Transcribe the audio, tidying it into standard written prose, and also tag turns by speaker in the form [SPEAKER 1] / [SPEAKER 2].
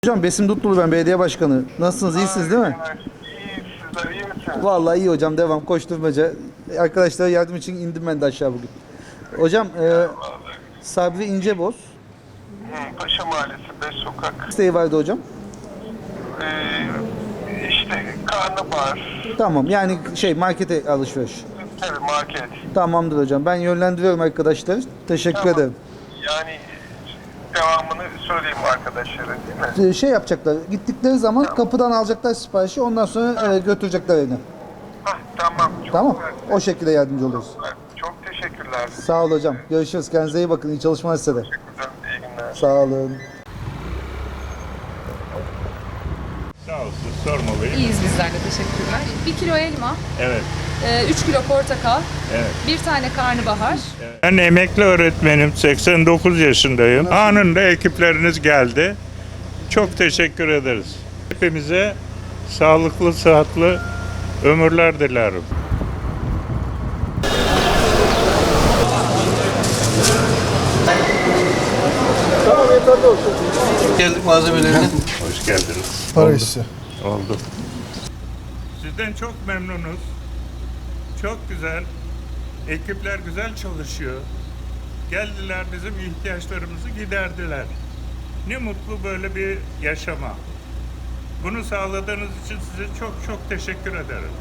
[SPEAKER 1] Hocam Besim Dutlulu, ben belediye başkanı. Nasılsınız? İyisiniz değil mi?
[SPEAKER 2] İyi, sizler iyi misiniz?
[SPEAKER 1] Vallahi iyi hocam, devam koşturmaca. Arkadaşlara yardım için indim ben de aşağı bugün. Hocam
[SPEAKER 2] Vallahi.
[SPEAKER 1] Sabri İnceboz
[SPEAKER 2] Paşa Mahallesi 5 sokak.
[SPEAKER 1] isteği vardı hocam.
[SPEAKER 2] İşte karnabahar,
[SPEAKER 1] Tamam, yani markete alışveriş.
[SPEAKER 2] tabii market.
[SPEAKER 1] Tamamdır hocam, ben yönlendiriyorum arkadaşlar. Teşekkür
[SPEAKER 2] Tamam.
[SPEAKER 1] ederim.
[SPEAKER 2] Yani devamını söyleyeyim arkadaşlara değil mi?
[SPEAKER 1] Yapacaklar, gittikleri zaman kapıdan alacaklar siparişi, ondan sonra götürecekler evine.
[SPEAKER 2] Tamam. Çok
[SPEAKER 1] Tamam,
[SPEAKER 2] güzel.
[SPEAKER 1] o şekilde yardımcı oluruz.
[SPEAKER 2] Çok teşekkürler.
[SPEAKER 1] Sağ ol hocam, görüşürüz, kendinize iyi bakın, iyi çalışmalar size de.
[SPEAKER 2] Teşekkürler. İyi günler.
[SPEAKER 1] Sağ olun.
[SPEAKER 3] Sağ olsun, sormalıyım.
[SPEAKER 4] İyiyiz bizler de, teşekkürler. 1 kilo elma,
[SPEAKER 3] Evet,
[SPEAKER 4] 3 kilo portakal,
[SPEAKER 3] evet.
[SPEAKER 4] 1 tane karnabahar.
[SPEAKER 3] Ben emekli öğretmenim, 89 yaşındayım. Anında ekipleriniz geldi. Çok teşekkür ederiz. Hepimize sağlıklı, sıhhatli ömürler dilerim.
[SPEAKER 5] Geldik malzemelerine.
[SPEAKER 3] Hoş geldiniz.
[SPEAKER 6] Para hissi.
[SPEAKER 3] Oldu. Sizden çok memnunuz. Çok güzel. Ekipler güzel çalışıyor. Geldiler, bizim ihtiyaçlarımızı giderdiler. Ne mutlu böyle bir yaşama. Bunu sağladığınız için size çok çok teşekkür ederim.